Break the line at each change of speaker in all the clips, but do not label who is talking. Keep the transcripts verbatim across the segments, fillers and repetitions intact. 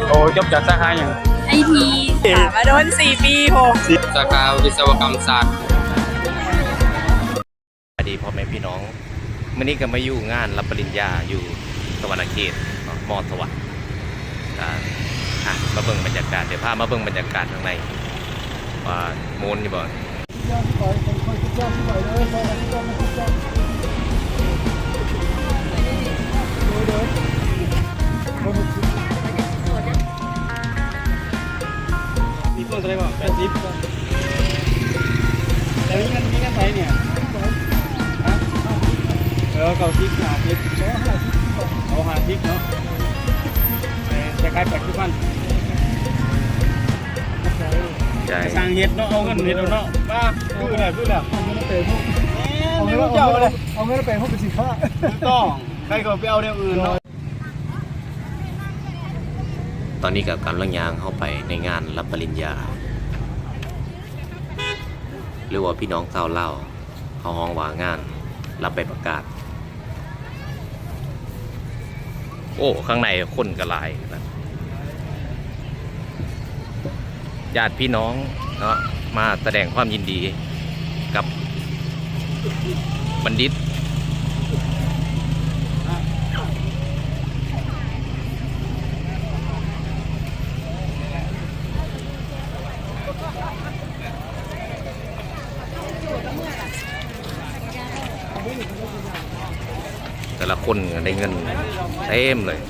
โอ้จบจากสาขาอย่าง
ไอทีมาโดนสี่ปีโห
สาขาวิศวกรรมศาสตร์
สวัสดีพ่อแม่พี่น้องวันนี้ก็มาอยู่งานรับปริญญาอยู่สวรรค์เขตมอสวัสดิ์อ่ะมาเบิ่งบรรยากาศเดี๋ยวพามาเบิ่งบรรยากาศข้างในว่าโมนอยู่บ่
มีต้นอะไรบ้างแปดสิบแต่มีกันมีกันไปเนี่ยเออเก้าสิบห้าสิบเอาห้าสิบเนาะจะกลายเป็นทุกวันสร้างเห็ดเนาะเอาเงินเห็ดเนาะป้าพูดอะไรพูดแล้วเอาเงินไปพวกเอาเงินเจ้าเลยเอาเงินไปพวกเป็นสินค้าต้องใครก็ไปเอาเรื่องอื่นเนาะ
ตอนนี้กับการล่างยางเข้าไปในงานรับปริญญาหรือว่าพี่น้องชาวเล่าเขาห้องว่างานรับไปประกาศโอ้ข้างในคนกระลายนะญาติพี่น้องเนาะมาแสดงความยินดีกับบัณฑิตแต่ละคนได้เงินเต็มเลย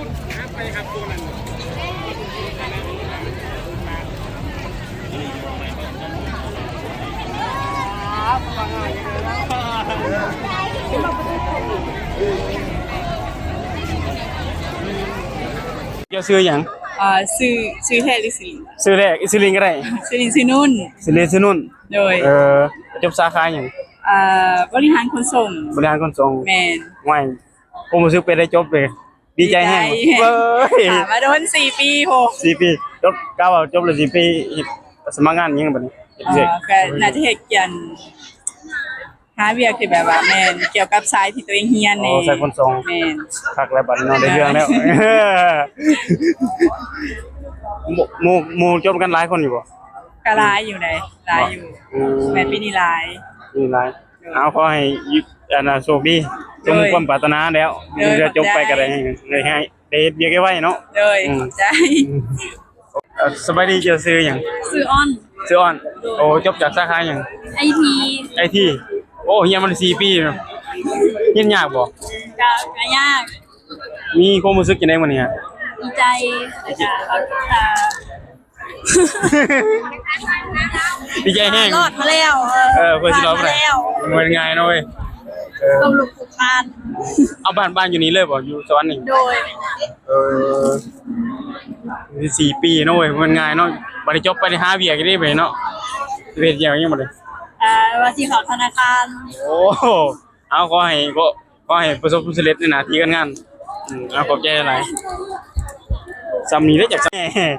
เจ้าซื้ออย่าง
อ่าซื้อซื้อแทนหรือซื้อ
ซื้อแรกอิซิลินก็ได้
ซื้อลินซื้อนุ่น
ซื้อเลนซื้อนุ่น
โดย
เออจบสาขาอย่าง
อ่าบริหารขนส่ง
บริหารขนส่ง
แมน
ไม่ผมรู้สึกไปได้จบเลยดีใจแห้งเว้ย
มาโดนสี่ปีโห
สี่ปีจบก้าวจบเลยสี่ปีสมัครงานยังแบบนี้
ก็น่าจะเหตุการณ์หาเวียคือแบบว่าแมนเกี่ยวกับสายที่ตัวเองเฮียนใน
สายขนส่ง
แมน
พักแล้วบัดนอนได้เรื่องแล้วหมู่หมู่จบกันหลายคนอยู่บ่
ก็หลายอยู่ไหนหลายอยู่แมนปีนี้หลาย
นี่หลายเอาขอให้อันน่ะโชคดีสมความปรารถนาแล้วเดี๋ยวจบไปก็ได้ได้ให้ได้เบียกไว้เนาะ
เลยใจ
สบายดีเจ้าซื้อหยัง
ซื้ออ้อน
ซื้ออ้อนโอ้จบจากสาขาหยัง
ไอ ที
ไอ ที โอ้เฮียมันสี่ปีเนาะเฮียนยากบ่
ก็ก็ยาก
มีความรู้สึกจังได๋มื้อนี้ฮะ
ดีใจจ้ะ
ดีใจแฮง
รอดมาแล้ว
เออเพิ่นสิรอดบ่ได้มันง่ายเนาะเว้ย
เออต้องลุกคาน
เอาบ้านบ้านอยู่นี่เลยบ่อยู่สวรรค์นี่
โดย
เออสี่ปีเนาะเว้ยมันง่ายเนาะบ่ได้จบไปได้หาเวียกได้ไปเนาะเฮ็ดอย่างยังบ่ได้
อ่าว่าสิเข้าธนาคาร
โอ้เอาขอให้ก็ขอให้ประสบผลสำเร็จในหน้าที่การงานอืมเอาขอบใจหลายสำนี้ได้จาก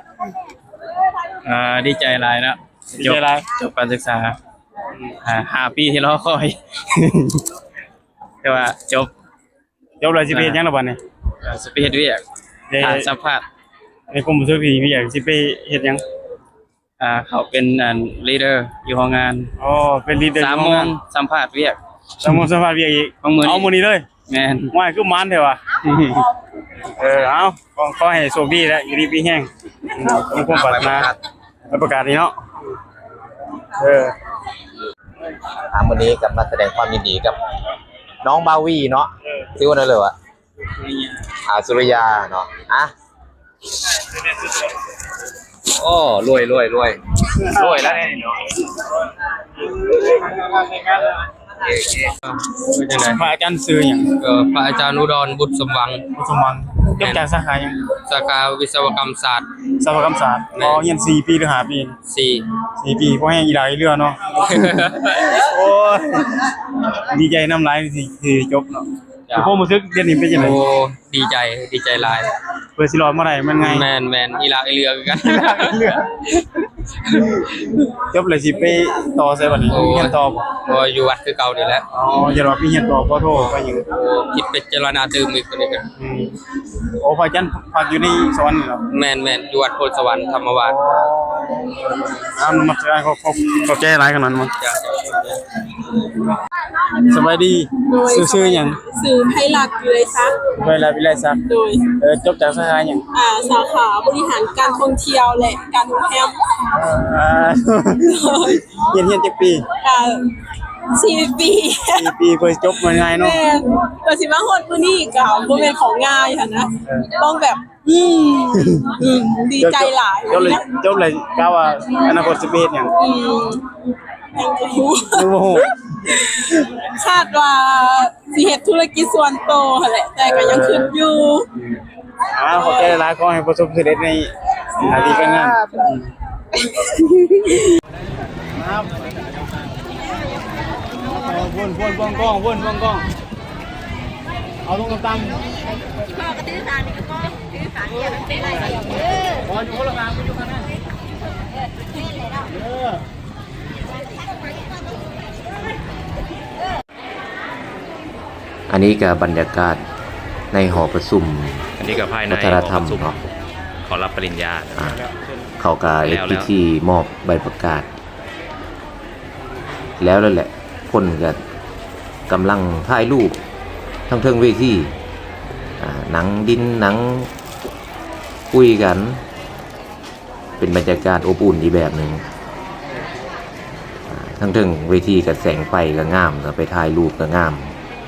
อ่าดีใจหลายแล้วจบจบการศึกษาอ่าห้าปีที่รอคอยแต่ว่าจบจบแล้วสิไปเฮ็ดหยังล่ะบัดนี้
สิไปเฮ็ดเวียกอ่าสัมภาษณ์
ไอ้กรมสุขภาพอยากสิไปเฮ็ดหยัง
อ่าเขาเป็นอันลีดเดอร์อยู่ห้องงาน
อ๋อเป็นลีดเดอร์
สามโมงสัมภาษณ์เวียก
สามโมงสัมภาษณ์เวียกอีกเอามื้อนี้เลย
แม่น
ว่าคือมันแท้ว่ะเออเอาขอให้โชคดีแล้วอยู่ดีมีแฮงมีความปรารถนาประกาศนี่เนาะเออ
ทางวันนี้กำลังแสดงความยินดีกับน้องบาวีเนาะชื่อว่าอะไรวะอ่าสุริยาเนาะอ่ะโอ้รวยรวยรวยรวยแล้ว
พระอาจารย์ซื้ออย่าง
เออพระอาจารย์อุดรบุตรสมหวัง
บุตรสมหวังจบจากสาขาอย่าง
สาขาวิศวกรรมศาสตร์
วิศวกรรมศาสตร์อ๋อเรียนสี่ปีหรือห้าปี
สี่
สี่ปีเพราะให้อีหลายเรือเนาะโอ้ยดีใจน้ำลายสิคือจบเนาะพวกมือซึกเรียนนี่เป็นยังไง
โอ้ดีใจดีใจหลาย
เพื่อสิรอดเมื่อไหร่มันไง
แมนแมนอีหลาไอเรือกัน
เรือจบเลยสิไปต่อใส่บัดนี้เฮียนต่อบ่
โอ้อยู่วัดคือเก่านี่แหละ
อ๋ออย่ารอพี่เฮียนต่อขอโทษไปอยู่
โอ้คิดเป็นเจรณาตื่มอีกคนนี้กัน
อืมโอ้พระจันทร์พักอยู่ในสวรรค์นี่เหรอ
แม่นแม่นอยู่วัดโพธิสวรรค์ธรรมวาส
อ้าวมาได้เขาเขาเขาแก้ร้ายกันนั้นมั้ง
จ้ะ
สบายดีซื่อๆหยัง
สื่อให้หลักอยู่เลยซัก
เวลาวิไลซัก
โดย
เออจบจากสาขาหยัง
อ่าสาขาบริหารการท่องเที่ยวและการโรงแรม
อ่าเฮียนเฮียนจักปี
อ่าสี่ปี
สี่ปีเพิ่นจบมาง่ายเนาะ
แม่ก็สิมาฮอดมื้อนี้ก็บ่แม่นของง่ายค่ะนะต้องแบบ อืมอืมดีใจหลาย
จบเลยจบเลยกะว่าอนาคตสิเป็นหยัง
อืมยังบ่รู้
ดูบ่ฮู้
คาดว่าสิเฮ็ดธุรกิจส่วนตัวหั่นแหละแต่ก็ยังคิดอยู่
อ่าขอแก้ร้ายขอให้ประสบความสำเร็จในหน้าที่การงานครับวนวนวงกล้องวนวงกล้องเอาตรงตำพ่อกระตื้อสารนี่ก็ตื้อสารเนี่ยมันเป็นอะไรเออพออยู่คนละทางไปอยู่ข้างหน้าเออ
อันนี้ก็บรรยากาศในหอประชุมอันนี้ก็ภายในวัฒนธรรมหอปะชุเนาะขอรับปริญญานะอ่าเขาก็เฮ็ดพิธีมอบใบประกาศ แล้วนั่นแหละคนก็กำลังถ่ายรูปทั้งเทิงเวทีอ่าหนังดินหนังคุยกัน เป็นบรรยากาศอบอุ่นอีกแบบหนึ่งอ่าทั้งเทิงเวทีกับแสงไฟก็งามก็ไปถ่ายรูปก็งาม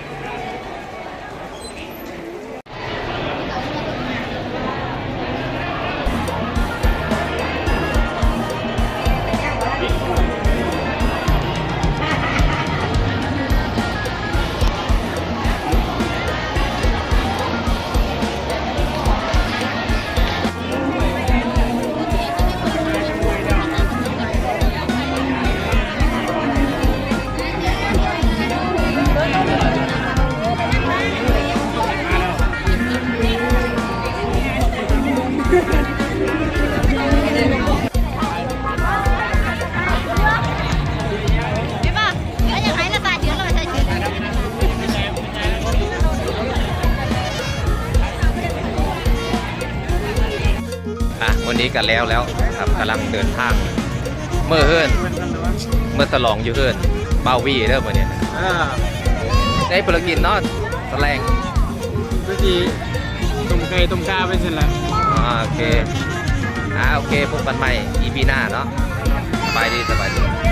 อ่ะวันนี้กันแล้วแล้วครับกำลังเดินทางเมื่อเฮิรนเมื่อตลองอยู่เฮิรนเบาวีเด้อมื่อนี้นะ
อ่า
ได้ภารกิจเนาะแสลง
เมื่อกี้ตุ่มไก่ตุ่มกาไปเสร็จแล้ว
อ่าโอเคอ่าโอเคพบกันใหม่ อี พี หน้าเนาะสบายดีสบายดี